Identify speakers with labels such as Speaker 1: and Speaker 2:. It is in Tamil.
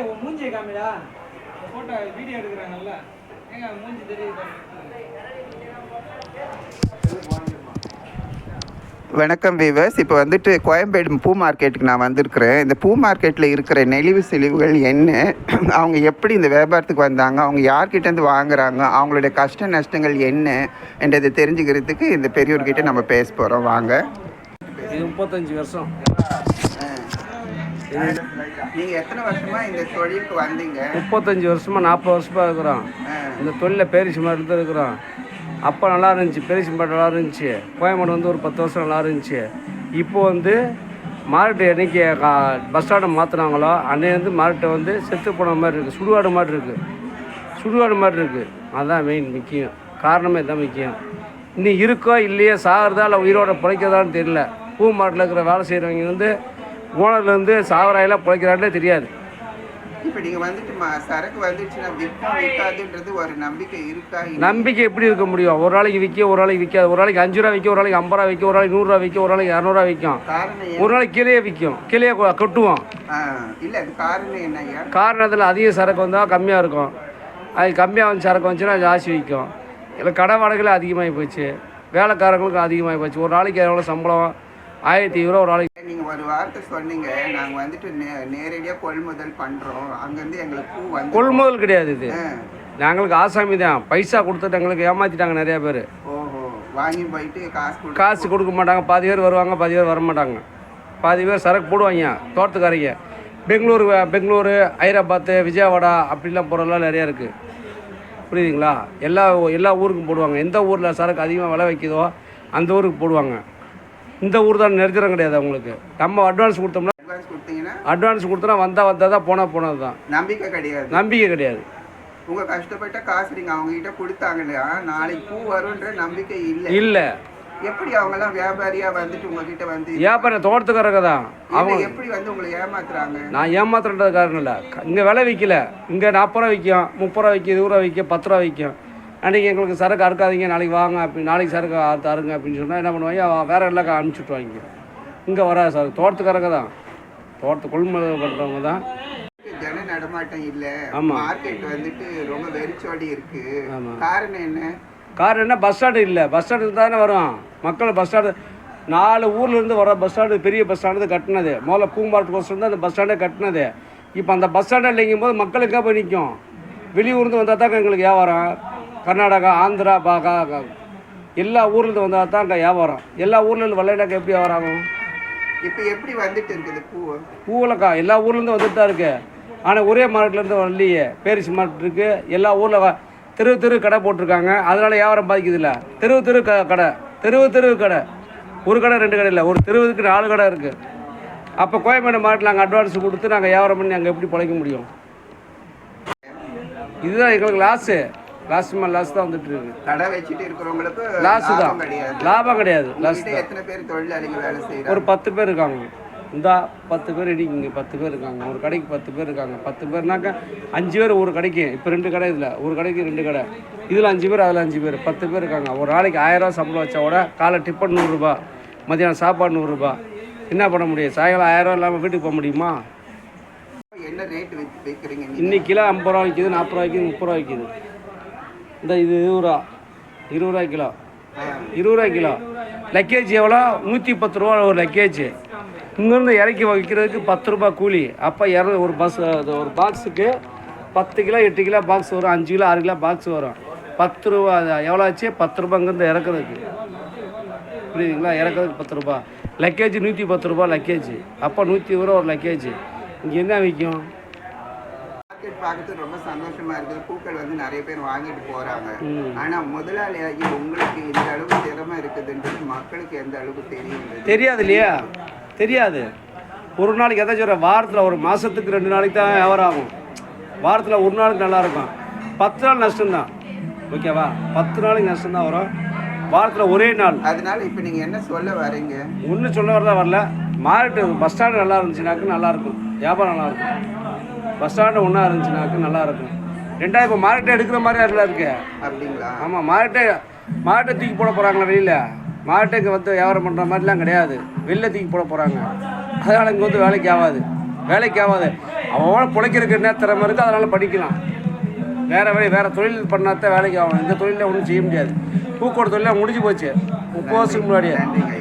Speaker 1: மூஞ்சி காமிடா போட்டோ வீடியோ எடுக்கிறாங்கல்ல ஏங்க மூஞ்சி தெரியுது.
Speaker 2: வணக்கம் வீவர்ஸ். இப்போ வந்துட்டு கோயம்பேடு பூ மார்க்கெட்டுக்கு நான் வந்திருக்கிறேன். இந்த பூ மார்க்கெட்டில் இருக்கிற நெளிவு செழிவுகள் என்ன, அவங்க எப்படி இந்த வியாபாரத்துக்கு வந்தாங்க, அவங்க யார்கிட்டேருந்து வாங்குறாங்க, அவங்களுடைய கஷ்ட நஷ்டங்கள் என்ன என்றதை தெரிஞ்சுக்கிறதுக்கு இந்த பெரியவர்கிட்ட நம்ம பேச போகிறோம். வாங்க.
Speaker 3: இது 35 வருஷம்.
Speaker 2: நீங்கள் எத்தனை வருஷமாக இந்த தொழிலுக்கு வந்தீங்க?
Speaker 3: 35 வருஷமாக 40 வருஷமாக இருக்கிறோம். இந்த தொழிலில் பேரிசி மரத்தில் இருக்கிறோம். அப்போ நல்லா இருந்துச்சு, பேரிசி மரம் நல்லா இருந்துச்சு. கோயம்பேடு வந்து ஒரு 10 வருஷம் நல்லா இருந்துச்சு. இப்போ வந்து மார்க்கெட்டு என்னைக்கு பஸ் ஸ்டாண்டை மாற்றினாங்களோ அன்னையிலேருந்து மார்க்கெட்டை வந்து செத்து போன மாதிரி இருக்குது, சுடுகாடு மாதிரி இருக்குது. அதுதான் மெயின் முக்கியம், காரணமே தான் முக்கியம். இன்னும் இருக்கோ இல்லையோ, சாகிறதா இல்லை உயிரோட பிழைக்கிறதான்னு தெரியல. பூ மார்க்கெட்டில் இருக்கிற வேலை செய்கிறவங்க வந்து ஓனர்லேருந்து சாவராயெல்லாம் பிழைக்கிறாங்களே தெரியாது.
Speaker 2: இப்போ நீங்கள் வந்துட்டு சரக்கு வந்துச்சுன்னா விற்காதுன்றது ஒரு நம்பிக்கை இருக்கா?
Speaker 3: நம்பிக்கை எப்படி இருக்க முடியும்? ஒரு நாளைக்கு விற்க, ஒரு நாளைக்கு விற்காது. ஒரு நாளைக்கு 5 ரூபா விற்கும், ஒரு நாளைக்கு 50 ரூபா விற்கும், ஒரு நாளைக்கு 100 ரூபா விற்கும், ஒரு நாளைக்கு 200 ரூபா விற்கும், ஒரு நாளைக்கு கீழே விற்கும், கீழே கொட்டுவோம்.
Speaker 2: இல்லை, அது காரணம் என்ன?
Speaker 3: காரணத்தில் அதிக சரக்கு வந்தால் கம்மியாக இருக்கும், அது கம்மியாக வந்து சரக்கு வந்துச்சுன்னா ஜாஸ்தி விற்கும். இல்லை கடை வாடகையில் அதிகமாகி போச்சு, வேலைக்காரங்களுக்கு அதிகமாகி போச்சு. ஒரு நாளைக்கு எவ்வளோ சம்பளம்? 1500 ரூபா ஒரு நாளைக்கு.
Speaker 2: நீங்கள் ஒரு வார்த்தை சொன்னீங்க, நாங்கள் வந்துட்டு நேரடியாக கொள்முதல் பண்ணுறோம், அங்கேருந்து எங்களுக்கு பூ வந்து.
Speaker 3: கொள்முதல் கிடையாது இது, நாங்களுக்கு ஆசாமி தான். பைசா கொடுத்துட்டு எங்களுக்கு ஏமாற்றிட்டாங்க நிறையா பேர்.
Speaker 2: ஓஹோ, வாங்கி போயிட்டு
Speaker 3: காசு கொடுக்க மாட்டாங்க. பாதி பேர் வருவாங்க, பாதி பேர் வர மாட்டாங்க. பாதி பேர் சரக்கு போடுவாங்க தோட்டத்துக்காரங்க. பெங்களூரு, ஹைதராபாத்து, விஜயவாடா அப்படிலாம் போகிறதெல்லாம் நிறையா இருக்குது. புரியுதுங்களா? எல்லா ஊருக்கும் போடுவாங்க. எந்த ஊரில் சரக்கு அதிகமாக விலை வைக்குதோ அந்த ஊருக்கு போடுவாங்க. இந்த ஊர் தான் நிறுத்திடம் கிடையாது அவங்களுக்கு. நம்ம அட்வான்ஸ் கொடுத்தோம்னா, அட்வான்ஸ் கொடுத்தோம்னா வந்தால் தான் போனது தான். நம்பிக்கை கிடையாது.
Speaker 2: உங்கள் கஷ்டப்பட்ட காசு நீங்கள் அவங்ககிட்ட கொடுத்தாங்க இல்லையா, நாளைக்கு பூ வரும்ன்ற நம்பிக்கை
Speaker 3: இல்லை.
Speaker 2: எப்படி அவங்கெல்லாம் வியாபாரியாக வந்துட்டு உங்ககிட்ட வந்து
Speaker 3: வியாபாரம் தோட்டத்துக்காரங்க தான். அவங்க
Speaker 2: எப்படி வந்து உங்களை ஏமாத்துறாங்க?
Speaker 3: நான் ஏமாத்துறது காரணம் இல்லை. இங்கே விலை விற்கல, இங்கே 40 ரூபா விற்கும், 30 ரூபா விற்கும், 20 ரூபா விற்கும், 10 ரூபா விற்கும். அன்றைக்கி எங்களுக்கு சரக்கு அறுக்காதீங்க, நாளைக்கு வாங்க நாளைக்கு சரக்கு அறுங்க அப்படின்னு சொன்னால் என்ன பண்ணுவாங்க, வேறு எல்லாம் அனுப்பிச்சுட்ருவாங்க. இங்கே வராது சரக்கு. தோட்டத்துக்காரங்க தான், கொள்முதல் பண்ணுறவங்க தான்.
Speaker 2: ஜன நடமாட்டம் இல்லை.
Speaker 3: ஆமாம்,
Speaker 2: மார்க்கெட் வந்துட்டு ரொம்ப வெறிச்சோடி இருக்குது. ஆமாம், காரணம் என்ன?
Speaker 3: பஸ் ஸ்டாண்டு இல்லை. பஸ் ஸ்டாண்டு இருந்தால் தானே வரும் மக்கள். பஸ் ஸ்டாண்டு 4 ஊர்லேருந்து வர பஸ் ஸ்டாண்டு, பெரிய பஸ் ஸ்டாண்டு கட்டினது. முதல்ல பூம்பாட்டு கோஸ்டம் தான் அந்த பஸ் ஸ்டாண்டே கட்டினது. இப்போ அந்த பஸ் ஸ்டாண்டை இல்லைங்கும் போது மக்கள் எங்கே போய் நிற்கும்? வெளியூர்ந்து வந்தால் தாங்க எங்களுக்கு வியாபாரம். கர்நாடகா, ஆந்திரா, எல்லா ஊர்லேருந்து வந்தால் தான் அங்கே வியாபாரம். எல்லா ஊர்லேருந்து வரலைனாக்கா எப்படி வியாபாரம் ஆகும்?
Speaker 2: இப்போ எப்படி வந்துட்டு இருக்குது
Speaker 3: பூவில்க்கா? எல்லா ஊர்லேருந்து வந்துட்டு தான் இருக்குது. ஆனால் ஒரே மார்க்கெட்லேருந்து வரலையே. பேரிசி மார்க்கெட் இருக்குது, எல்லா ஊரில் தெரு கடை போட்டிருக்காங்க. அதனால் வியாபாரம் பாதிக்குது இல்லை. தெரு கடை, ஒரு கடை 2 கடை இல்லை, ஒரு தெருவுக்கு 4 கடை இருக்குது. அப்போ கோயம்பேடு மார்க்கெட்டில் நாங்கள் அட்வான்ஸ் கொடுத்து நாங்கள் வியாபாரம் பண்ணி அங்கே எப்படி பிழைக்க முடியும்? இதுதான் எங்களுக்கு லாஸ் தான் வந்துட்டு இருக்கு.
Speaker 2: கடை வச்சுட்டு இருக்கிறவங்களுக்கு
Speaker 3: லாஸ் தான், லாபம் கிடையாது.
Speaker 2: எத்தனை பேர் தொழிலாளிகள் வேலை செய்யறாங்க?
Speaker 3: ஒரு 10 பேர் இருக்காங்க. இந்த 10 பேர் இடிக்குங்க, 10 பேர் இருக்காங்க. ஒரு கடைக்கு 10 பேர் இருக்காங்க. 10 பேர்னாக்கா 5 பேர் ஒரு கடைக்கு. இப்போ 2 கடை, இதில் ஒரு கடைக்கு 2 கடை, இதில் 5 பேர், அதில் 5 பேர், 10 பேர் இருக்காங்க. ஒரு நாளைக்கு 1000 ரூபா சம்பளம் வச்சா கூட காலை டிஃபன் 100 ரூபா, மதியானம் சாப்பாடு 100 ரூபா. என்ன பண்ண முடியும்? சாயங்காலம் 1000 ரூபா இல்லாமல் வீட்டுக்கு போக முடியுமா?
Speaker 2: என்ன ரேட் வைக்கிறீங்க
Speaker 3: இன்னைக்கு? கிலோ 50 ரூபா விற்கிது, 40 ரூபா விற்கிது, 30 ரூபா விற்கிது. இந்த இது 20 ரூபா கிலோ. 20 ரூபா கிலோ. லக்கேஜ் எவ்வளோ? 110 ரூபா ஒரு லக்கேஜ். இங்கேருந்து இறக்கி வைக்கிறதுக்கு 10 ரூபா கூலி. அப்போ ஒரு ஒரு பாக்ஸுக்கு 10 கிலோ 8 கிலோ பாக்ஸ் வரும், 5 கிலோ 6 கிலோ பாக்ஸ் வரும். 10 ரூபா. எவ்வளோ ஆச்சு? 10 ரூபா இங்கேருந்து இறக்குறதுக்கு. புரியுதுங்களா? இறக்குறதுக்கு 10 ரூபா. லக்கேஜ் 110 ரூபா லக்கேஜ். அப்போ 120 ரூபா ஒரு லக்கேஜ். இங்கே என்ன விற்கும்?
Speaker 2: பார்க்கறது ரொம்ப சந்தோஷமா இருக்குது. பூக்கள் வந்து நிறைய பேர் வாங்கிட்டு போறாங்க. ஆனா முதலாளியாகி உங்களுக்கு இந்த அளவுக்கு திறமை இருக்குதுன்றது மக்களுக்கு எந்த அளவுக்கு தெரியாது
Speaker 3: இல்லையா? தெரியாது. ஒரு நாளைக்கு எதாச்சும் ஒரு வாரத்தில், ஒரு மாதத்துக்கு 2 நாளைக்கு தான் வியாபாரம் ஆகும். வாரத்தில் ஒரு நாளுக்கு நல்லாயிருக்கும். 10 நாள் நஷ்டம்தான். ஓகேவா? 10 நாளைக்கு நஷ்டம்தான் வரும். வாரத்தில் ஒரே நாள்.
Speaker 2: அதனால இப்போ நீங்கள் என்ன சொல்ல வரீங்க?
Speaker 3: ஒன்றும் சொல்ல வரல. மார்க்கெட்டு பஸ் ஸ்டாண்டு நல்லா இருந்துச்சுனாக்கு நல்லாயிருக்கும், வியாபாரம் நல்லாயிருக்கும். பஸ் ஸ்டாண்டு ஒன்றா இருந்துச்சுனாக்கு நல்லாயிருக்கும். 2 இப்போ மார்க்கெட்டை எடுக்கிற மாதிரி அதில் இருக்கு.
Speaker 2: அப்படிங்களா?
Speaker 3: ஆமாம், மார்க்கெட்டை தூக்கி போட போகிறாங்களா வெளியில்? மார்க்கெட்டுக்கு வந்து வியாபாரம் பண்ணுற மாதிரிலாம் கிடையாது. வெளில தூக்கி போட போகிறாங்க. அதனால் இங்கே வந்து வேலைக்கு ஆகாது. வேலைக்கு ஆகாது. அவன் பிழைக்கிறதுக்கு என்ன திறமை இருக்குது அதனால் படிக்கலாம். வேறு தொழில் பண்ணாதான் வேலைக்கு ஆகணும். இந்த தொழிலில் ஒன்றும் செய்ய முடியாது. பூக்கோட தொழிலாக முடிஞ்சு போச்சு 30 வருஷத்துக்கு முன்னாடியே.